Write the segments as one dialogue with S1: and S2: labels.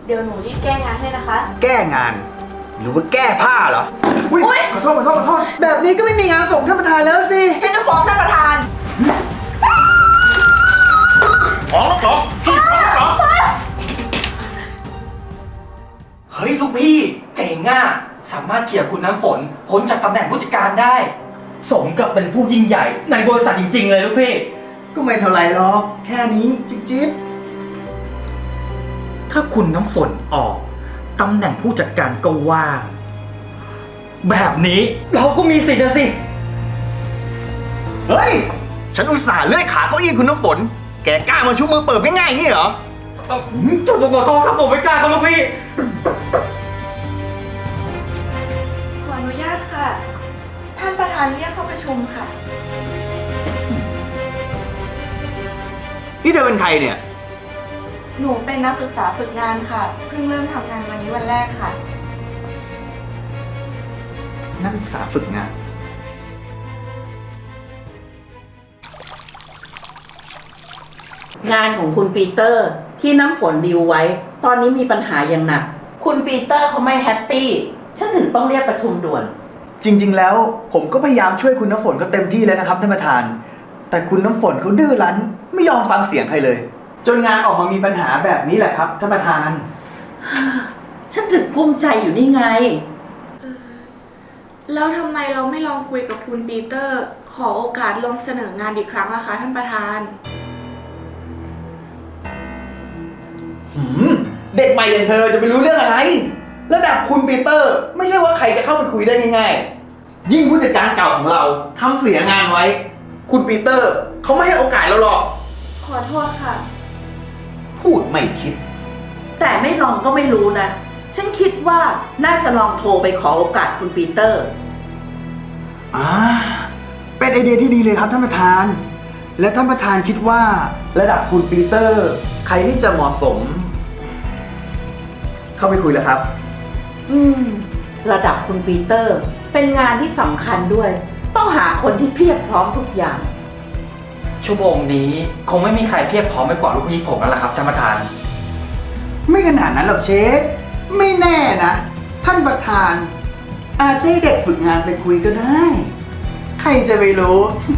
S1: เดี๋ยวหนูรีบแก้งานให้นะคะ
S2: แก้งาน หรือว่าแก้ผ้าเหรอ
S1: อุ๊ย
S2: ขอโทษแบบนี้ก็ไม่มีงานส่งท่านประธานแล้วสิ
S1: ฉันจะฟ้องท่านประธาน
S3: ฟ้องเหรอพี่ฟ้องเหรอเฮ้ยลูกพี่เจ๋งอ่ะสามารถเขี่ยคุณน้ำฝนพ้นจากตำแหน่งผู้จัดการได้ สมกับเป็นผู้ยิ่งใหญ่ในบริษัทจริงๆเลยลูกพี่
S2: ก็ไม่เท่าไรหรอก แค่นี้จิ๊บ
S3: ถ้าคุณน้ำฝนออกตำแหน่งผู้จัดการก็ว่าง แบบนี้เราก็มีสิทธิ์นะสิ
S2: เฮ้ย ฉันอุตส่าห์เลื่อยขาเก้าอี้คุณน้ำฝน แกกล้ามาชุบมือเปิดง่ายๆอย่างนี้เหรอ
S3: ผมขอโทษครับผมไม่กล้าครับลูกพี่
S1: ขออนุญาตค่ะ ท่านประธานเรียกเข้าประชุมค่ะ
S2: นี่เธอเป็นใครเนี่ย
S1: หนูเป็นนักศึกษาฝึกงานค่ะ เพิ่งเริ่มทำงานวันนี้วันแรกค่ะ
S2: นักศึกษาฝึกงาน
S4: งานของคุณปีเตอร์ที่น้ำฝนดีลไว้ ตอนนี้มีปัญหาอย่างหนัก คุณปีเตอร์เขาไม่แฮปปี้ฉันถึงต้องเรียกประชุมด่วน
S2: จริงๆ แล้วผมก็พยายามช่วยคุณน้ำฝนเขาเต็มที่แล้วนะครับท่านประธาน แต่คุณน้ำฝนเขาดื้อรั้นไม่ยอมฟังเสียงใครเลย จนงานออกมามีปัญหาแบบนี้แหละครับท่านประธาน
S4: ฉันถึงภูมิใจอยู่นี่ไง
S1: แล้วทำไมเราไม่ลองคุยกับคุณปีเตอร์ ขอโอกาสลองเสนองานอีกครั้งล่ะคะท่านประธาน
S2: เด็กใหม่อย่างเธอจะไปรู้เรื่องอะไร ระดับคุณปีเตอร์ ไม่ใช่ว่าใครจะเข้าไปคุยได้ง่ายๆ ยิ่งผู้จัดการเก่าของเราทำเสียงานไว้ คุณปีเตอร์เขาไม่ให้โอกาสเราหรอก
S1: ขอโทษค่ะ
S2: พูดไม่คิด
S4: แต่ไม่ลองก็ไม่รู้นะ ฉันคิดว่าน่าจะลองโทรไปขอโอกาสคุณปีเตอร์
S2: เป็นไอเดียที่ดีเลยครับท่านประธาน และท่านประธานคิดว่าระดับคุณปีเตอร์ ใครที่จะเหมาะสม เข้าไปคุยแล้วครับ
S4: ระดับคุณปีเตอร์ เป็นงานที่สำคัญด้วย ต้องหาคนที่เพียบพร้อมทุกอย่าง
S3: ชั่วโมงนี้คงไม่มีใครเพียบพร้อมไปกว่าลูกพี่ผมแล้วล่ะครับท่านประธาน
S2: ไม่ขนาดนั้นหรอกเชฟ ไม่แน่นะ ท่านประธาน อาจจะให้เด็กฝึกงานไปคุยก็ได้ ใครจะไปรู้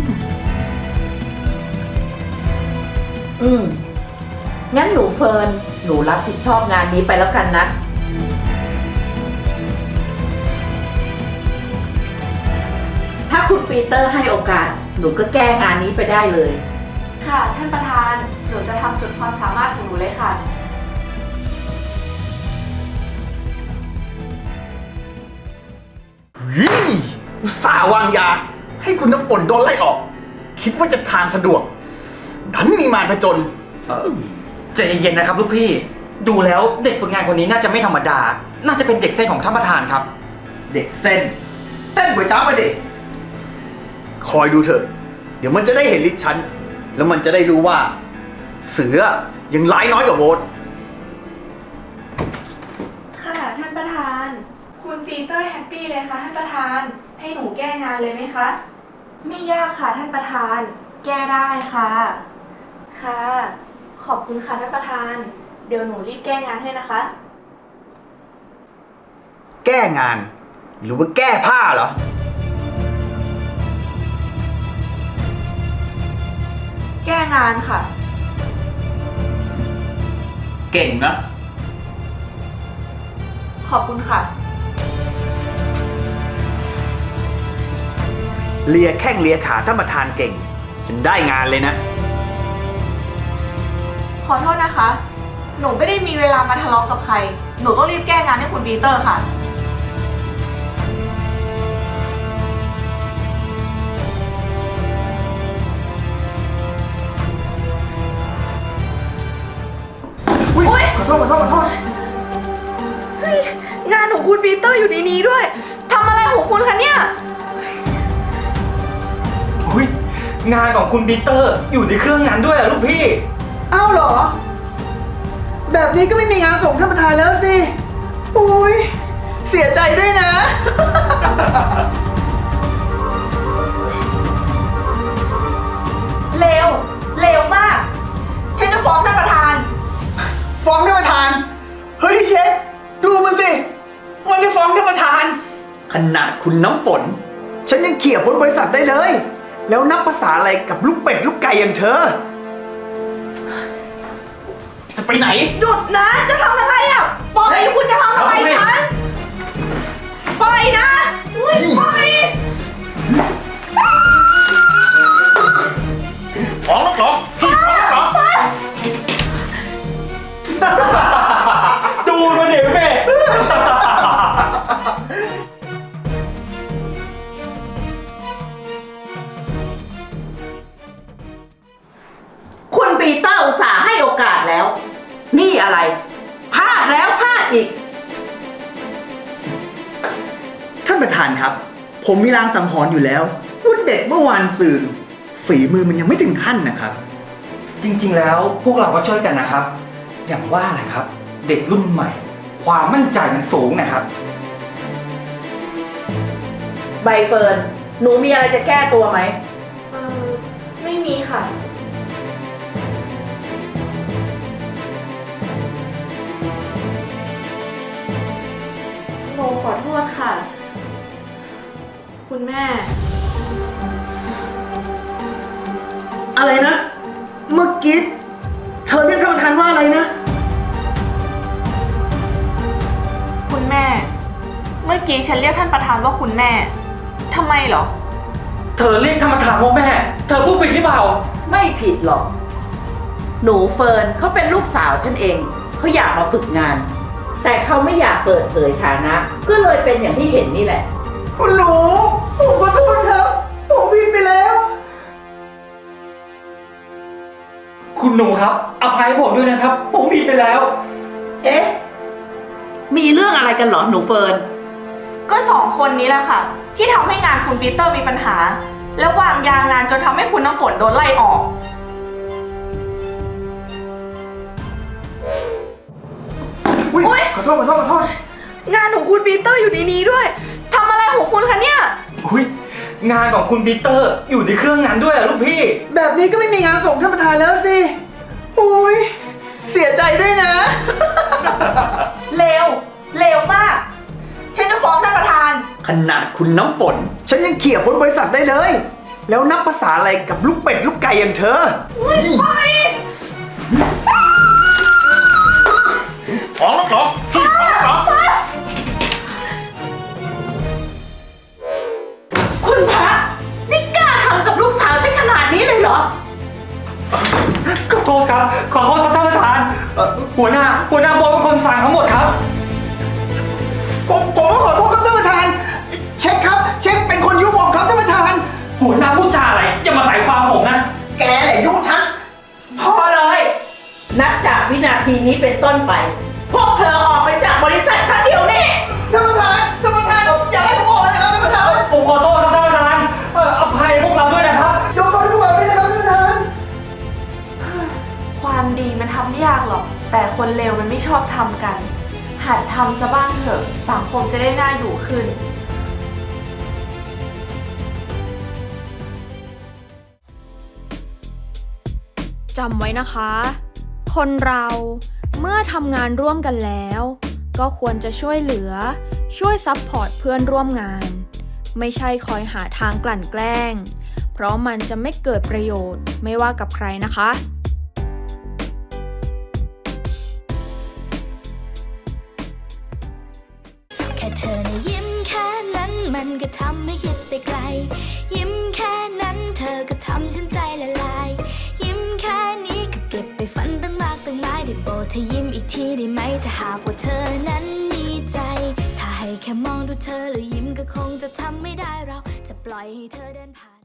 S4: งั้นหนูเฟิร์น หนูรับผิดชอบงานนี้ไปแล้วกันนะ ถ้าคุณปีเตอร์ให้โอกาส หนูก็แก้งานนี้ไปได้เลย
S1: ค่ะท่านประธาน หนูจะทำสุดความสามารถของหนูเลยค่ะ
S2: อุตส่าห์วางยา ให้คุณน้ำฝนโดนไล่ออก คิดว่าจะทางสะดวก ดันมีมารผจญ
S3: ใจเย็นๆนะครับลูกพี่ ดูแล้วเด็กฝึกงานคนนี้น่าจะไม่ธรรมดา น่าจะเป็นเด็กเส้นของท่านประธานครับ
S2: เด็กเส้นก๋วยจั๊บมาดิคอยดูเถอะ เดี๋ยวมันจะได้เห็นฤทธิ์ฉัน แล้วมันจะได้รู้ว่า เสือยังร้ายน้อยกว่าโวต
S1: ค่ะท่านประธาน คุณปีเตอร์แฮปปี้เลยค่ะท่านประธาน ให้หนูแก้งานเลยไหมคะ ไม่ยากค่ะท่านประธาน แก้ได้ค่ะ ค่ะ ขอบคุณค่ะท่านประธาน เดี๋ยวหนูรีบแก้งานให้นะคะ
S2: แก้งาน หรือว่าแก้ผ้าเหรอ
S1: แก้งานค่ะ
S2: เก่งนะ
S1: ขอบคุณค่ะ
S2: เลียแข้งเลียขาท่านประธานเก่ง จนได้งานเลยนะ
S1: ขอโทษนะคะ หนูไม่ได้มีเวลามาทะเลาะกับใคร หนูต้องรีบแก้งานให้คุณปีเตอร์ค่ะ
S2: อุ๊ยขอโทษ
S1: เฮ้ย งานของคุณปีเตอร์อยู่ในนี้ด้วย ทำอะไรของคุณคะเนี่ย
S3: อุ้ยงานของคุณปีเตอร์อยู่ในเครื่องนั้นด้วยอะลูกพี่
S2: อ้าวเหรอ แบบนี้ก็ไม่มีงานส่งท่านประธานแล้วสิ อุ้ยเสียใจด้วยนะ
S1: เร็ว เร็วมาก ฉันจะฟ้องท่านประธาน
S2: ฟ้องท่านประธาน เฮ้ยขนาดคุณน้ำฝน ฉันยังเขี่ยพ้นบริษัทได้เลย แล้วนับภาษาอะไรกับลูกเป็ดลูกไก่อย่างเธอ จะไปไหน
S1: หยุดนะ จะทำอะไรอ่ะ ปล่อย คุณจะทำอะไรฉัน ปล่อยนะอุ้ยปล่อย
S2: ฟ้องแล้วเหรอฟ้องแล้วเหรอ
S3: ดูมันเดี๋ยวแม่
S4: คุณปีเตอร์อุตส่าห์ให้โอกาสแล้ว นี่อะไร พลาดแล้วพลาดอีก
S2: ท่านประธานครับ ผมมีลางสังหรณ์อยู่แล้วว่าเด็กเมื่อวานซืนฝีมือมันยังไม่ถึงขั้นนะครับ
S3: จริงๆแล้วพวกเราก็ช่วยกันนะครับ อย่างว่าแหละครับ เด็กรุ่นใหม่ ความมั่นใจมันสูงนะครับ
S4: ใบเฟิร์น หนูมีอะไรจะแก้ตัวไหม
S1: ไม่มีค่ะ โมขอโทษค่ะ คุณแม่
S2: อะไรนะ เมื่อกี้เธอเรียกท่านประธานว่าอะไรนะ
S1: คุณแม่ เมื่อกี้ฉันเรียกท่านประธานว่าคุณแม่ ทำไมเหรอ
S3: เธอเรียกธรรมทานว่าแม่ เธอพูดผิดหรือเปล่า
S4: ไม่ผิดหรอก หนูเฟิร์นเขาเป็นลูกสาวฉันเอง เขาอยากมาฝึกงาน แต่เขาไม่อยากเปิดเผยฐานะ ก็เลยเป็นอย่างที่เห็นนี่แหละ
S2: คุณหนูผมขอโทษครับ ผมผิดไปแล้ว
S3: คุณหนูครับ อภัยผมด้วยนะครับ ผมผิดไปแล้ว
S4: เอ๊ะ มีเรื่องอะไรกันเหรอหนูเฟิร์น
S1: ก็สองคนนี้แหละค่ะ ที่ทำให้งานคุณปีเตอร์มีปัญหา แล้ววางยางานจนทำให้คุณน้ำฝนโดนไล่ออก
S2: อุ๊ย
S1: อุ๊ย
S2: ขอโทษ
S1: งานของคุณปีเตอร์อยู่ในนี้ด้วยทำอะไรของคุณคะเนี่ย
S3: อุ้ยงานของคุณปีเตอร์อยู่ในเครื่องนั้นด้วยเหรอลูกพี่
S2: แบบนี้ก็ไม่มีงานส่งท่านประธานแล้วสิ อุ้ยเสียใจด้วยนะ
S1: เร็วมาก ฉันจะฟ้องท่านประธาน
S2: ขนาดคุณน้ำฝน ฉันยังเขี่ยพ้นบริษัทได้เลย แล้วนับภาษาอะไรกับลูกเป็ดลูกไก่อย่างเธอฟ้องแล้วเหรอฟ้องแล้วเหรอ
S4: คุณพระนี่กล้าทำกับลูกสาวฉันขนาดนี้เลยเหรอ
S3: ขอโทษครับ ขอโทษครับท่านประธานหัวหน้าโบเป็นคนสั่งทั้งหมดครับ
S2: ผมก็ขอโทษครับท่านประธาน เช็คครับ เช็คเป็นคนยุผมครับท่านประธาน
S3: หัวหน้าพูดจาอะไรอย่ามาใส่ความผมนะ
S2: แกแหละยุฉัน
S4: พอเลย นับจากวินาทีนี้เป็นต้นไป พวกเธอออกไปจากบริษัทฉันเดี๋ยวนี้
S2: ท่านประธานอย่าให้ผมออกนะครับท่านประธาน
S3: ผมขอโทษครับท่านประธานอภัยพวกเราด้วยนะครับ
S2: ยกโทษให้พวกเราด้วยนะครับท่านประธาน
S1: ความดีมันทำไม่ยากหรอก แต่คนเลวมันไม่ชอบทำกัน หัดทำซะบ้างเถอะ สังคมจะได้น่าอยู่ขึ้น
S5: จำไว้นะคะ คนเราเมื่อทำงานร่วมกันแล้ว ก็ควรจะช่วยเหลือ ช่วยซัพพอร์ตเพื่อนร่วมงาน ไม่ใช่คอยหาทางกลั่นแกล้ง เพราะมันจะไม่เกิดประโยชน์ไม่ว่ากับใครนะคะ
S6: แค่เธอนะยิ้มแค่นั้นมันก็ทำให้คิดไปไกล ยิ้มแค่นั้นเธอก็ทำฉันใจละลาย ยิ้มแค่นี้ก็เก็บไปฝันตั้งมากตั้งหลายได้โปรดเธอยิ้มอีกทีได้ไหมถ้าหากว่าเธอนั้นมีใจ ถ้าให้แค่มองดูเธอแล้วยิ้มก็คงจะทำไม่ได้เราจะปล่อยให้เธอเดินผ่าน